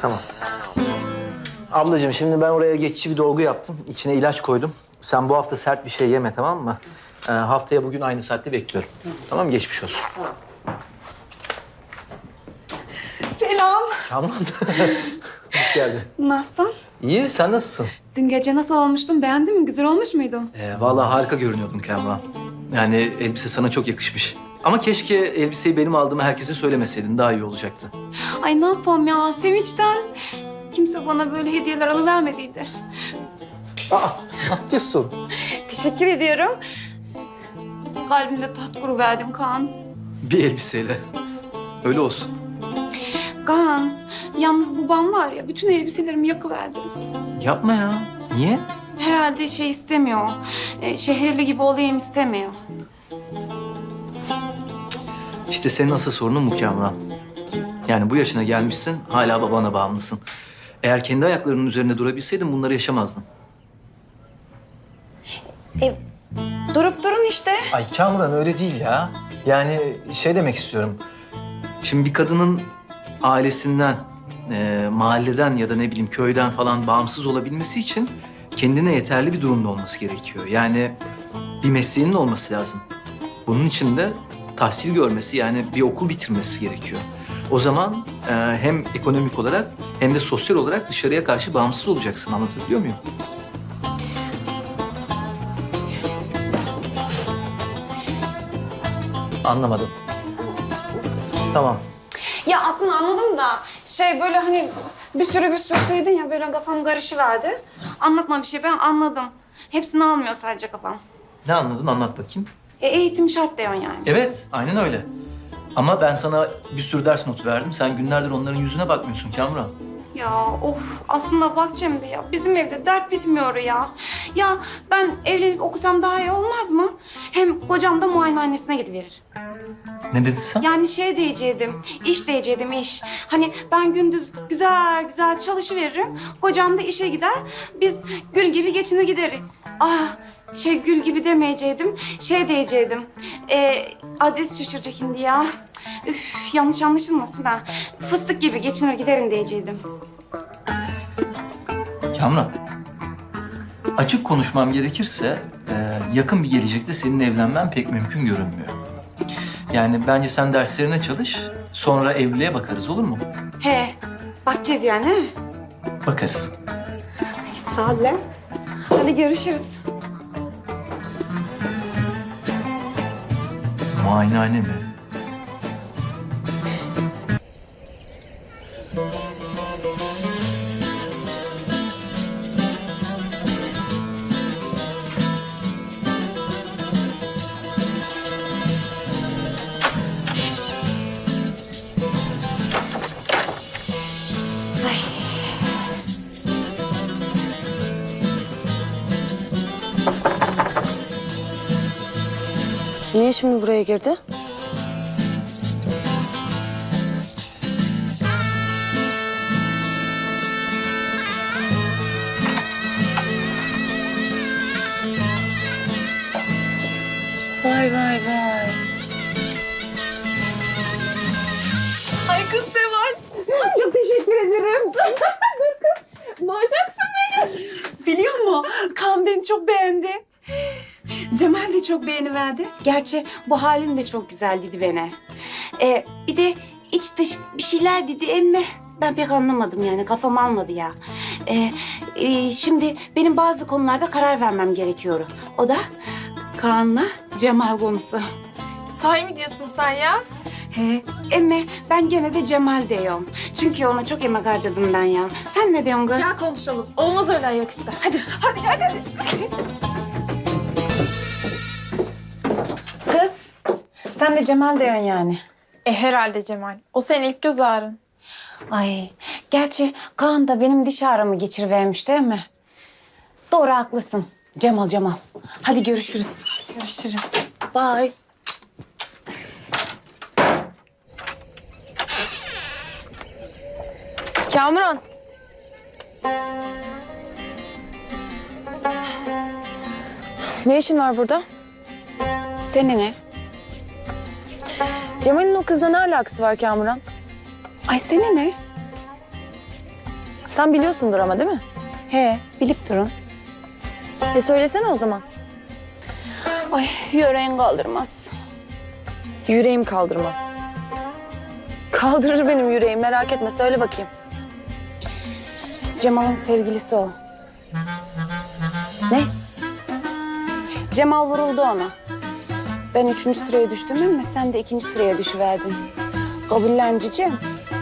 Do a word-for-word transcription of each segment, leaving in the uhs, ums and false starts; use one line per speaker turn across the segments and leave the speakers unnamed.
Tamam. Ablacığım şimdi ben oraya geçici bir dolgu yaptım. İçine ilaç koydum. Sen bu hafta sert bir şey yeme, tamam mı? Ee, haftaya bugün aynı saatte bekliyorum. Tamam mı? Geçmiş olsun.
Selam.
Kamran. Hoş geldin.
Nasılsın?
İyi, sen nasılsın?
Dün gece nasıl olmuştun? Beğendin mi? Güzel olmuş muydum?
Ee, vallahi harika görünüyordun Kamran. Yani elbise sana çok yakışmış. Ama keşke elbiseyi benim aldığımı herkese söylemeseydin. Daha iyi olacaktı.
Ay ne yapalım ya sevinçten. Kimse bana böyle hediyeler alıvermediydi.
Aa, ne yapıyorsun?
Teşekkür ediyorum. Kalbimde taht kuruverdim Kaan.
Bir elbiseyle. Öyle olsun.
Kaan, yalnız babam var ya bütün elbiselerimi yakıverdi.
Yapma ya. Niye?
Herhalde şey istemiyor. E, şehirli gibi olayım istemiyor.
İşte senin asıl sorunun bu Kamran. Yani bu yaşına gelmişsin, hala babana bağımlısın. Eğer kendi ayaklarının üzerinde durabilseydin bunları yaşamazdın.
E, durup durun işte.
Ay Kamran öyle değil ya. Yani şey demek istiyorum. Şimdi bir kadının ailesinden, e, mahalleden ya da ne bileyim köyden falan bağımsız olabilmesi için kendine yeterli bir durumda olması gerekiyor. Yani bir mesleğinin olması lazım. Bunun için de tahsil görmesi, yani bir okul bitirmesi gerekiyor. O zaman e, hem ekonomik olarak hem de sosyal olarak dışarıya karşı bağımsız olacaksın. Anlatabiliyor muyum? Anlamadım. Tamam.
Ya aslında anladım da şey böyle hani bir sürü bir sürü söyledin ya böyle kafam karışıverdi. Anlatma bir şey ben anladım. Hepsini almıyor sadece kafam.
Ne anladın? Anlat bakayım.
E, eğitim şart diyorsun yani.
Evet, aynen öyle. Ama ben sana bir sürü ders notu verdim. Sen günlerdir onların yüzüne bakmıyorsun Kamran.
Ya of aslında bak Cemre ya bizim evde dert bitmiyor ya. Ya ben evlenip okusam daha iyi olmaz mı? Hem kocam da muayenehanesine gidiverir.
Ne dedin sen?
Yani şey diyecektim, iş diyecektim iş. Hani ben gündüz güzel güzel çalışıveririm. Kocam da işe gider. Biz gül gibi geçinir gideriz. Ah şey gül gibi demeyecektim. Şey diyecektim. E, adres şaşıracak şimdi ya. Üf yanlış anlaşılmasın ha. Fıstık gibi geçinir giderim diyecektim.
Kamran, açık konuşmam gerekirse e, yakın bir gelecekte seninle evlenmen pek mümkün görünmüyor. Yani bence sen derslerine çalış, sonra evliliğe bakarız, olur mu?
He bakacağız yani he?
Bakarız.
Ay, sağ ol lan. Hadi görüşürüz.
Muayenehane mi?
Niye şimdi buraya girdi? Vay vay vay.
Ay kız Seval. Çok teşekkür ederim. Dur kız. Boğacaksın beni. Biliyor musun? Kaan beni çok beğendi. Cemal de çok beğeniverdi. Gerçi bu halin de çok güzel dedi bana. Ee, bir de iç dış bir şeyler dedi emme. Ben pek anlamadım yani kafam almadı ya. Ee, e, şimdi benim bazı konularda karar vermem gerekiyor. O da Kaan'la Cemal konusu.
Sahi mi diyorsun sen ya?
He, emme ben gene de Cemal diyorum. Çünkü ona çok emek harcadım ben ya. Sen ne diyorsun kız?
Gel konuşalım. Olmaz öyle ayaküstü. Hadi.
Hadi hadi hadi. Kız, sen de Cemal diyorsun yani.
E herhalde Cemal. O senin ilk göz ağrın.
Ay, gerçi Kaan da benim diş ağrımı geçirivermiş değil mi? Doğru haklısın. Cemal Cemal. Hadi görüşürüz.
Görüşürüz.
Bye.
Kamuran. Ne işin var burada?
Senin ne?
Cemal'in o kızla ne alakası var Kamuran?
Ay senin ne?
Sen biliyorsundur ama değil mi?
He, bilip durun.
E söylesene o zaman.
Ay, yüreğin kaldırmaz.
Yüreğim kaldırmaz. Kaldırır benim yüreğim, merak etme. Söyle bakayım.
Cemal'ın sevgilisi o.
Ne?
Cemal vuruldu ona. Ben üçüncü sıraya düştüm ama sen de ikinci sıraya düşüverdin. Kabullen cicim.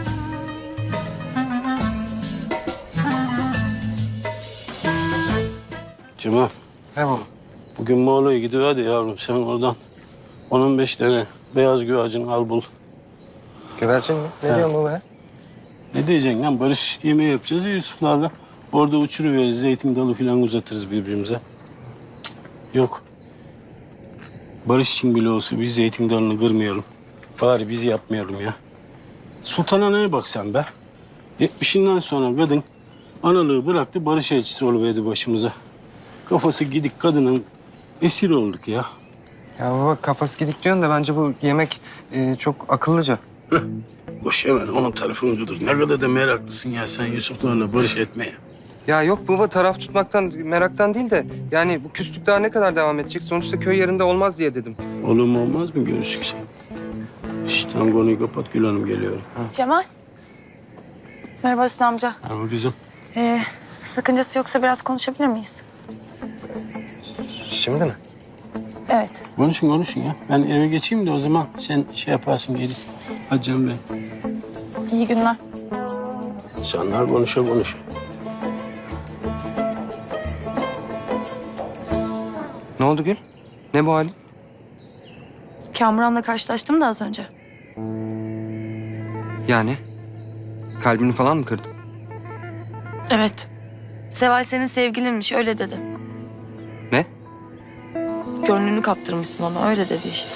Cemal,
He baba.
bugün Moğol'a gidiyor hadi yavrum. Sen oradan on on beş tane beyaz güvercin al bul.
Güvercin mi? Ne
He.
diyorsun bu be?
Ne diyeceksin lan? Barış yemeği yapacağız ya Yusuflarla. Orada uçuruveririz, zeytin dalı falan uzatırız birbirimize. Cık, yok. Barış için bile olsa biz zeytin dalını kırmayalım. Bari biz yapmayalım ya. Sultan Ana'ya bak sen be. Yetmişinden sonra kadın analığı bıraktı, barış elçisi oluverdi başımıza. Kafası gidik kadının esir olduk ya.
Ya baba kafası gidik diyorsun da bence bu yemek e, çok akıllıca.
Boş hemen onun tarafını dur. Ne kadar da meraklısın ya sen Yusuflarla barış etmeye.
Ya yok baba taraf tutmaktan, meraktan değil de yani bu küslük daha ne kadar devam edecek? Sonuçta köy yerinde olmaz diye dedim.
Olur mu olmaz mı görüşürüz sen? Şşt tamam konuyu kapat Gül Hanım geliyorum.
Cemal. Merhaba Hüsnü amca.
Ama kızım.
Ee, sakıncası yoksa biraz konuşabilir miyiz?
Şimdi mi?
Evet.
Konuşun konuşun ya. Ben eve geçeyim de o zaman sen şey yaparsın gerisi. Hadi canım benim.
İyi günler.
İnsanlar konuşa konuşa.
Ne oldu Gül? Ne bu halin?
Kamuran'la karşılaştım da az önce.
Yani? Kalbini falan mı kırdın?
Evet. Seval senin sevgilinmiş, öyle dedi.
Ne?
Gönlünü kaptırmışsın ona, öyle dedi işte.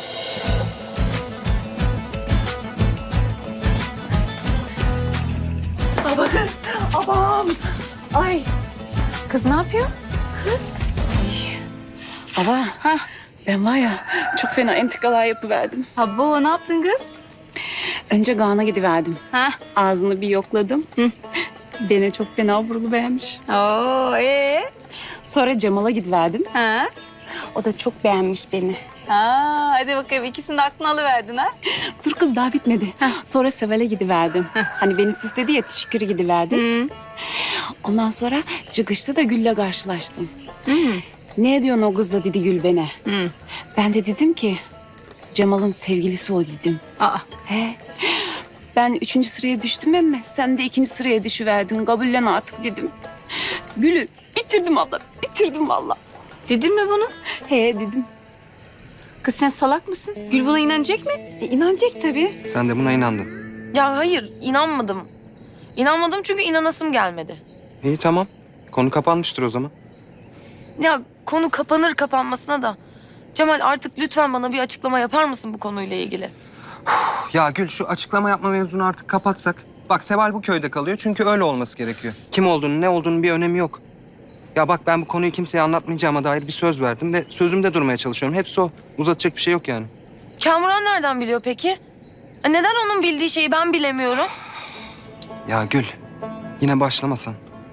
Baba kız, abam. Ay.
Kız ne yapıyor?
Kız. Ay. Baba, ha. Ben var ya çok fena entrikalar yapıverdim.
Abo ne yaptın kız?
Önce Kaan'a gidiverdim.
Ha?
Ağzını bir yokladım. Hı. Beni çok fena vuruluvermiş.
Oo ee?
Sonra Cemal'a gidiverdim.
Ha?
O da çok beğenmiş beni.
Ha, hadi bakayım ikisini de aklına alıverdin ha.
Dur kız daha bitmedi. Sonra Seval'e gidiverdim. Hani beni süsledi ya teşekkürü gidiverdim.
Hı.
Ondan sonra çıkışta da Gül'le karşılaştım.
Hı.
Ne ediyorsun o kızla dedi Gül bana.
Hı.
Ben de dedim ki Cemal'ın sevgilisi o dedim.
Aa.
He. Ben üçüncü sıraya düştüm ama sen de ikinci sıraya düşüverdin. Kabullen artık dedim. Gül'ü bitirdim abla, bitirdim vallahi.
Dedin mi bunu?
He dedim.
Kız sen salak mısın? Gül buna inanacak mı?
E, inanacak tabii.
Sen de buna inandın.
Ya hayır, inanmadım. İnanmadım çünkü inanasım gelmedi.
İyi tamam. Konu kapanmıştır o zaman.
Ya konu kapanır kapanmasına da. Cemal artık lütfen bana bir açıklama yapar mısın bu konuyla ilgili?
Ya Gül şu açıklama yapma mevzunu artık kapatsak. Bak Seval bu köyde kalıyor çünkü öyle olması gerekiyor. Kim olduğunu ne olduğunu bir önemi yok. Ya bak ben bu konuyu kimseye anlatmayacağıma dair bir söz verdim ve sözümde durmaya çalışıyorum. Hepsi o. Uzatacak bir şey yok yani.
Kamuran nereden biliyor peki? E Neden onun bildiği şeyi ben bilemiyorum?
Ya Gül yine başlamasan.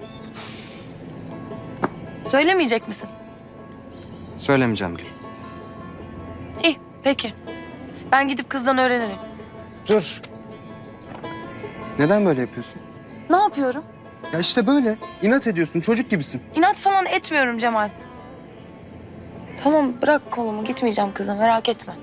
Söylemeyecek misin?
Söylemeyeceğim Gül.
İyi, peki. Ben gidip kızdan öğrenirim.
Dur. Neden böyle yapıyorsun?
Ne yapıyorum?
Ya işte böyle. İnat ediyorsun. Çocuk gibisin.
İnat falan etmiyorum Cemal. Tamam, bırak kolumu. Gitmeyeceğim kızım, merak etme.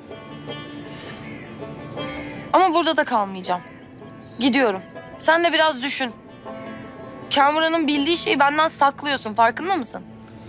Ama burada da kalmayacağım. Gidiyorum. Sen de biraz düşün. Kamuran'ın bildiği şeyi benden saklıyorsun. Farkında mısın?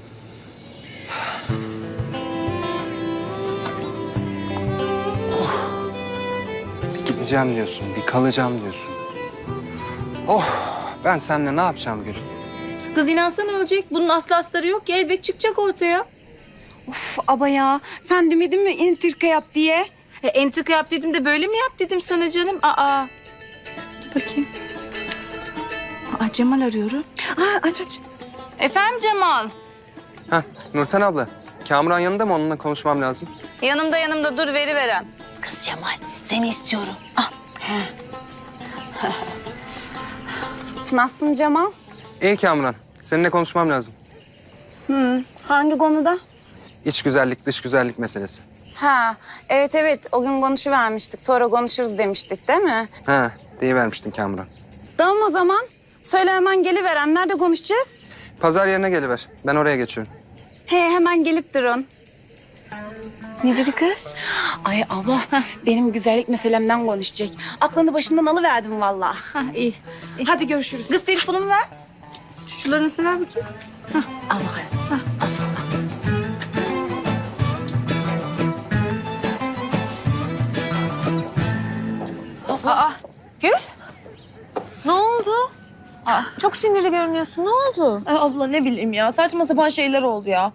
Bir gideceğim diyorsun. Bir kalacağım diyorsun. Oh ben seninle ne yapacağım Gül?
Kız inansa ne olacak? Bunun aslı astarı yok ki elbet çıkacak ortaya.
Of aba ya sen demedin mi entrika yap diye?
E, entrika yap dedim de böyle mi yap dedim sana canım? Aa. Dur bakayım. Aa Cemal arıyorum.
Aa, aç aç.
Efendim Cemal?
Heh Nurten abla. Kamuran yanında mı? Onunla konuşmam lazım.
Yanımda yanımda dur veri verem.
Kız Cemal seni istiyorum. Ah. Nasılsın Cemal?
İyi Kamuran. Seninle konuşmam lazım.
Hı, hangi konuda?
İç güzellik, dış güzellik meselesi.
Ha, evet evet. O gün konuşuvermiştik. Sonra konuşuruz demiştik değil mi?
Ha, deyivermiştin Kamuran.
Tamam o zaman. Söyle hemen geliveren. Nerede konuşacağız?
Pazar yerine geliver. Ben oraya geçiyorum.
He, hemen gelip durun.
Ne dedi kız?
Ay abla, benim güzellik meselemden konuşacak. Aklını başından alıverdim vallahi.
Ha iyi.
Hadi görüşürüz.
Kız telefonumu ver. Çuçuların üstüne ver bakayım.
Al bakalım.
Aa Gül. Ne oldu? Aa, çok sinirli görünüyorsun. Ne oldu?
Ay abla ne bileyim ya saçma sapan şeyler oldu ya.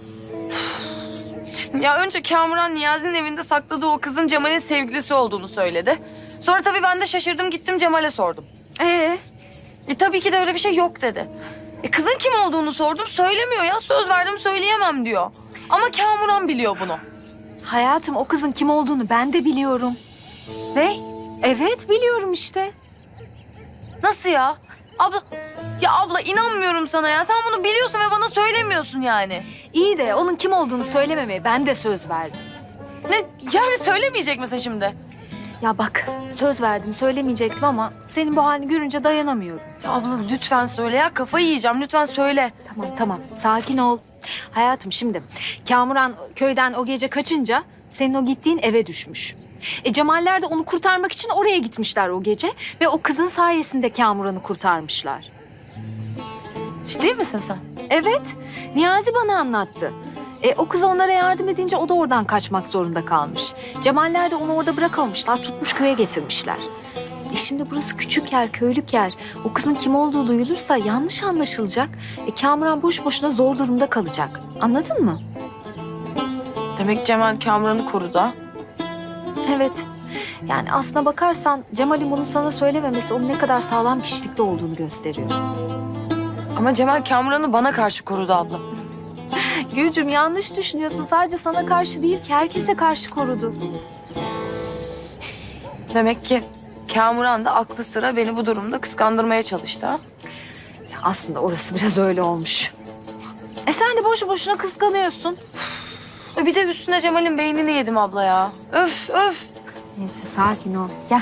Ya önce Kamuran Niyazi'nin evinde sakladığı o kızın Cemal'in sevgilisi olduğunu söyledi. Sonra tabii ben de şaşırdım gittim Cemal'e sordum.
Ee,
E tabii ki de öyle bir şey yok dedi. E kızın kim olduğunu sordum söylemiyor ya söz verdim söyleyemem diyor. Ama Kamuran biliyor bunu.
Hayatım o kızın kim olduğunu ben de biliyorum.
Ne?
Evet biliyorum işte.
Nasıl ya? Abla, ya abla inanmıyorum sana ya. Sen bunu biliyorsun ve bana söylemiyorsun yani.
İyi de onun kim olduğunu söylememeye ben de söz verdim.
Ne? Yani söylemeyecek misin şimdi?
Ya bak söz verdim söylemeyecektim ama senin bu halini görünce dayanamıyorum.
Ya abla lütfen söyle ya. Kafayı yiyeceğim. Lütfen söyle.
Tamam tamam sakin ol. Hayatım şimdi Kamuran köyden o gece kaçınca senin o gittiğin eve düşmüş. E Cemaller de onu kurtarmak için oraya gitmişler o gece ve o kızın sayesinde Kamuran'ı kurtarmışlar.
Ciddi misin sen?
Evet, Niyazi bana anlattı. E, o kız onlara yardım edince o da oradan kaçmak zorunda kalmış. Cemaller de onu orada bırakamamışlar, tutmuş köye getirmişler. E şimdi burası küçük yer, köylük yer. O kızın kim olduğu duyulursa yanlış anlaşılacak. E, Kamuran boş boşuna zor durumda kalacak. Anladın mı?
Demek Cemal Kamuran'ı korudu ha?
Evet. Yani aslına bakarsan Cemal'in bunu sana söylememesi onun ne kadar sağlam kişilikli olduğunu gösteriyor.
Ama Cemal Kamuran'ı bana karşı korudu abla.
Gülcüm yanlış düşünüyorsun. Sadece sana karşı değil ki herkese karşı korudu.
Demek ki Kamuran da aklı sıra beni bu durumda kıskandırmaya çalıştı ha?
Ya aslında orası biraz öyle olmuş. E sen de boşu boşuna kıskanıyorsun.
E bir de üstüne Cemal'in beynini yedim abla ya. Öf öf.
Neyse sakin ol. Gel.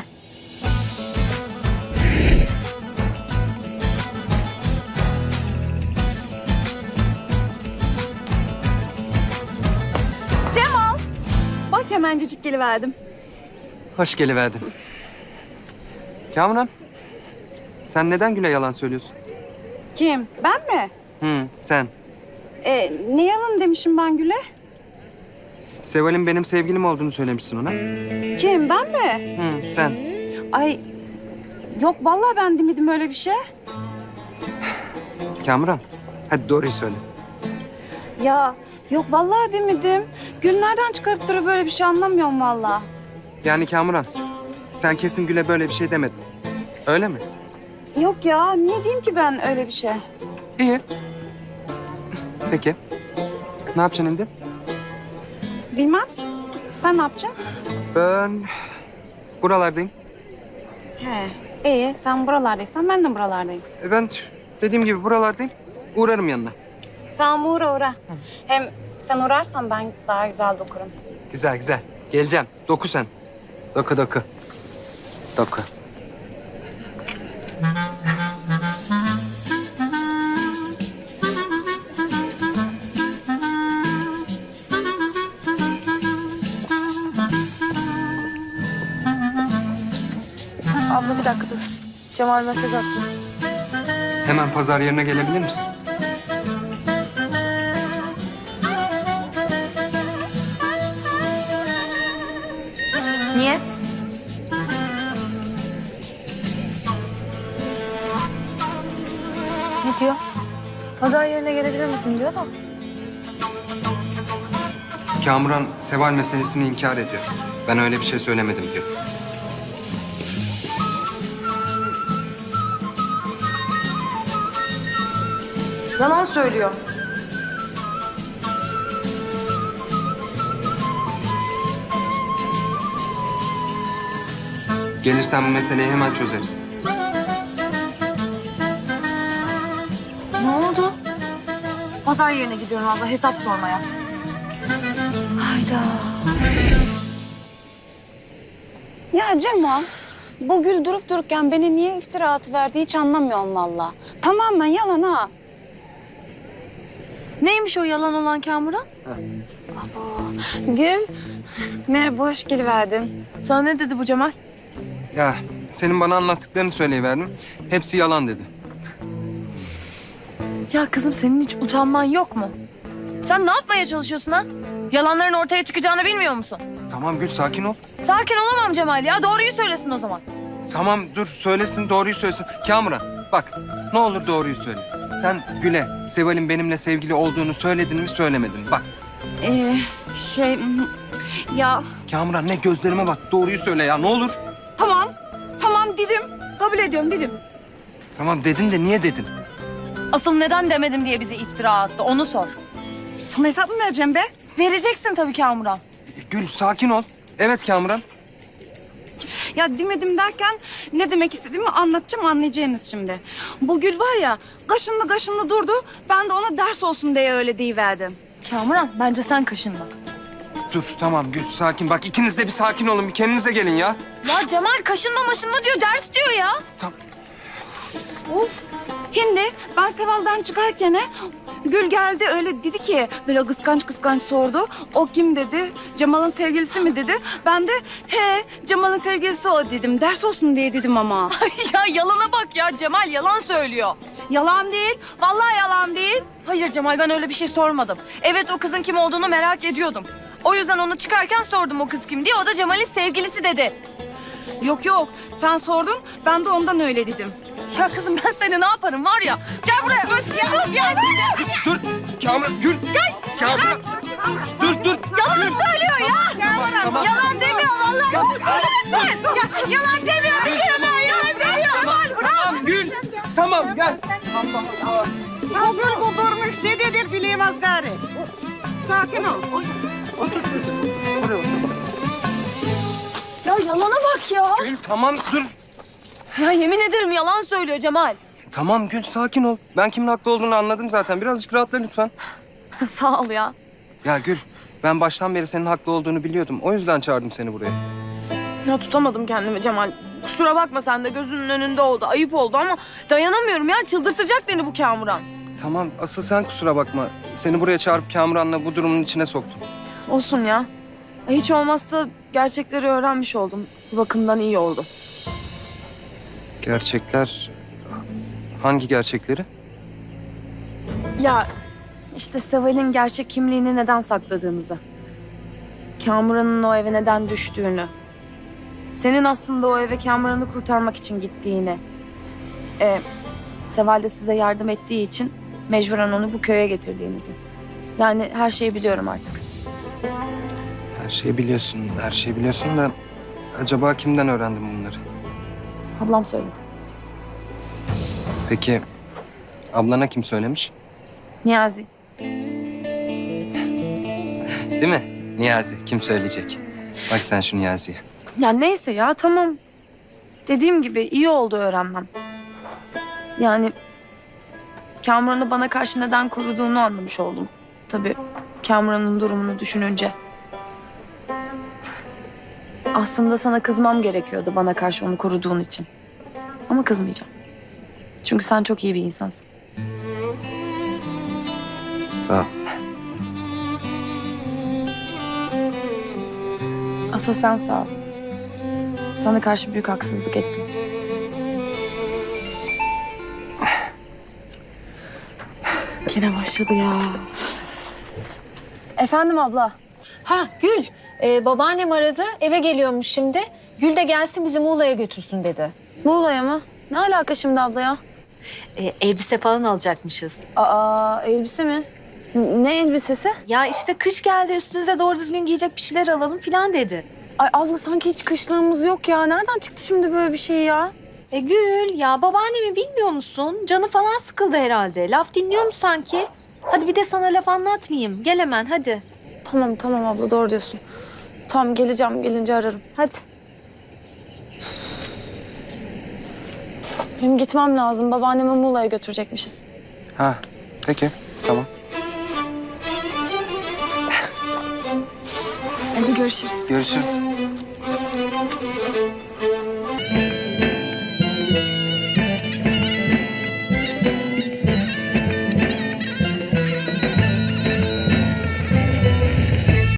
bak hemencecik geliverdim.
Hoş geliverdin. Kamuran, sen neden Gül'e yalan söylüyorsun?
Kim? Ben mi?
Hı, sen.
Ee, ne yalan demişim ben Gül'e?
Seval'in benim sevgilim olduğunu söylemişsin ona.
Kim? Ben mi?
Hı, sen.
Ay, yok vallahi ben demedim öyle bir şey.
Kamuran, hadi doğruyu söyle.
Ya yok vallahi demedim. Gül nereden çıkarıp duruyor böyle bir şey anlamıyorum vallahi.
Yani Kamuran, sen kesin Gül'e böyle bir şey demedin. Öyle mi?
Yok ya niye diyeyim ki ben öyle bir şey?
İyi. Peki. Ne yapacaksın şimdi?
Bilmem. Sen ne yapacaksın?
Ben buralardayım.
He. İyi sen buralardaysan ben de buralardayım.
E, Ben dediğim gibi buralardayım. Uğrarım yanına.
Tamam uğra uğra. Hem sen uğrarsan ben daha güzel dokurum.
Güzel güzel. Geleceğim. Doku sen. Doku doku. Doku.
Abla bir dakika dur. Cemal mesaj attı.
Hemen pazar yerine gelebilir misin?
Niye? Ne diyor? Pazar yerine gelebilir misin diyor da.
Kamuran Seval meselesini inkar ediyor. Ben öyle bir şey söylemedim diyor.
Yalan söylüyor.
Gelirsen bu meseleyi hemen çözeriz.
Pazar yerine gidiyorum abla hesap sormaya.
Hayda.
Ya Cemal, bu Gül durup dururken beni niye iftira atıverdi hiç anlamıyorum valla. Tamamen yalan ha.
Neymiş o yalan olan Kamuran?
Gül, merhaba hoş geliverdin.
Sana ne dedi bu Cemal?
Ya senin bana anlattıklarını söyleyiverdim. Hepsi yalan dedi.
Ya kızım senin hiç utanman yok mu? Sen ne yapmaya çalışıyorsun ha? Yalanların ortaya çıkacağını bilmiyor musun?
Tamam Gül sakin ol.
Sakin olamam Cemal ya. Doğruyu söylesin o zaman.
Tamam dur söylesin doğruyu söylesin. Kamuran bak ne olur doğruyu söyle. Sen Gül'e Seval'in benimle sevgili olduğunu söyledin mi söylemedin mi? Bak
Ee, şey, ya
Kamuran ne gözlerime bak doğruyu söyle ya ne olur.
tamam, tamam dedim. Kabul ediyorum dedim.
Tamam dedin de niye dedin?
Asıl neden demedim diye bize iftira attı. Onu sor.
Sana hesap mı vereceğim be?
Vereceksin tabii Kamuran.
Gül sakin ol. Evet Kamuran.
Ya demedim derken ne demek istediğimi anlatacağım anlayacaksınız şimdi. Bu Gül var ya kaşınlı kaşınlı durdu. Ben de ona ders olsun diye öyle deyiverdim.
Kamuran bence sen kaşınma.
Dur tamam Gül sakin. Bak ikiniz de bir sakin olun bir kendinize gelin ya.
Ya Cemal kaşınma maşınma diyor. Ders diyor ya.
Hindi ben Seval'dan çıkarken Gül geldi öyle dedi ki böyle kıskanç kıskanç sordu. O kim dedi? Cemal'ın sevgilisi mi dedi? Ben de he Cemal'ın sevgilisi o dedim. Ders olsun diye dedim ama.
Ya yalana bak ya. Cemal yalan söylüyor.
Yalan değil. Vallahi yalan değil.
Hayır Cemal ben öyle bir şey sormadım. Evet o kızın kim olduğunu merak ediyordum. O yüzden onu çıkarken sordum o kız kim diye. O da Cemal'in sevgilisi dedi.
Yok yok sen sordun ben de ondan öyle dedim.
Ya kızım ben seni ne yaparım var ya. Gel buraya. Ben ya, gel.
Dur Kamuran Gül. Gel. Kamuran. Dur dur.
Yalan söylüyor ya.
Tamam.
Yalan demiyor vallahi. Ya, yalan demiyor bir kere ben yalan demiyor.
Cemal bırak.
Tamam Gül. Tamam gel.
O gün bu durmuş ne dedir bileyemez gari. Sakin ol.
Ya yalana bak ya.
Gül tamam dur.
Ya yemin ederim yalan söylüyor Cemal.
Tamam Gül sakin ol. Ben kimin haklı olduğunu anladım zaten. Birazcık rahatla lütfen.
Sağ ol ya.
Ya Gül ben baştan beri senin haklı olduğunu biliyordum. O yüzden çağırdım seni buraya.
Ya tutamadım kendimi Cemal. Kusura bakma sen de gözünün önünde oldu. Ayıp oldu ama dayanamıyorum ya. Çıldırtacak beni bu Kamuran.
Tamam asıl sen kusura bakma. Seni buraya çağırıp Kamuran'la bu durumun içine soktum.
Olsun ya. Hiç olmazsa gerçekleri öğrenmiş oldum. Bu bakımdan iyi oldu.
Gerçekler... Hangi gerçekleri?
Ya işte Seval'in gerçek kimliğini neden sakladığımızı. Kamuran'ın o eve neden düştüğünü. Senin aslında o eve Kamuran'ı kurtarmak için gittiğini. Ee, Seval de size yardım ettiği için mecburen onu bu köye getirdiğinizi. Yani her şeyi biliyorum artık.
Her şeyi biliyorsun, her şeyi biliyorsun da... Acaba kimden öğrendin bunları?
Ablam söyledi.
Peki ablana kim söylemiş?
Niyazi.
Değil mi? Niyazi kim söyleyecek? Bak sen şu Niyazi'ye.
Ya neyse ya tamam. Dediğim gibi iyi oldu öğrenmem. Yani Kamuran'ı bana karşı neden koruduğunu anlamış oldum. Tabii Kamuran'ın durumunu düşününce. Aslında sana kızmam gerekiyordu bana karşı onu koruduğun için. Ama kızmayacağım. Çünkü sen çok iyi bir insansın.
Sağ ol.
Asıl sen sağ ol. Sana karşı büyük haksızlık ettim. Yine başladı ya. Efendim abla.
Ha Gül, e, babaannem aradı. Eve geliyormuş şimdi. Gül de gelsin bizi Muğla'ya götürsün dedi.
Muğla'ya mı? Ne alaka şimdi abla ya?
E, elbise falan alacakmışız.
Aa elbise mi? N- Ne elbisesi?
Ya işte kış geldi üstünüze doğru düzgün giyecek bir şeyler alalım falan dedi.
Ay abla sanki hiç kışlığımız yok ya. Nereden çıktı şimdi böyle bir şey ya?
E Gül ya babaannemi bilmiyor musun? Canı falan sıkıldı herhalde. Laf dinliyor mu sanki? Hadi bir de sana laf anlatmayayım. Gel hemen hadi.
Tamam tamam abla doğru diyorsun. Tamam geleceğim gelince ararım.
Hadi.
Benim gitmem lazım. Babaannemi Muğla'ya götürecekmişiz.
Ha peki tamam.
Hadi görüşürüz.
Görüşürüz.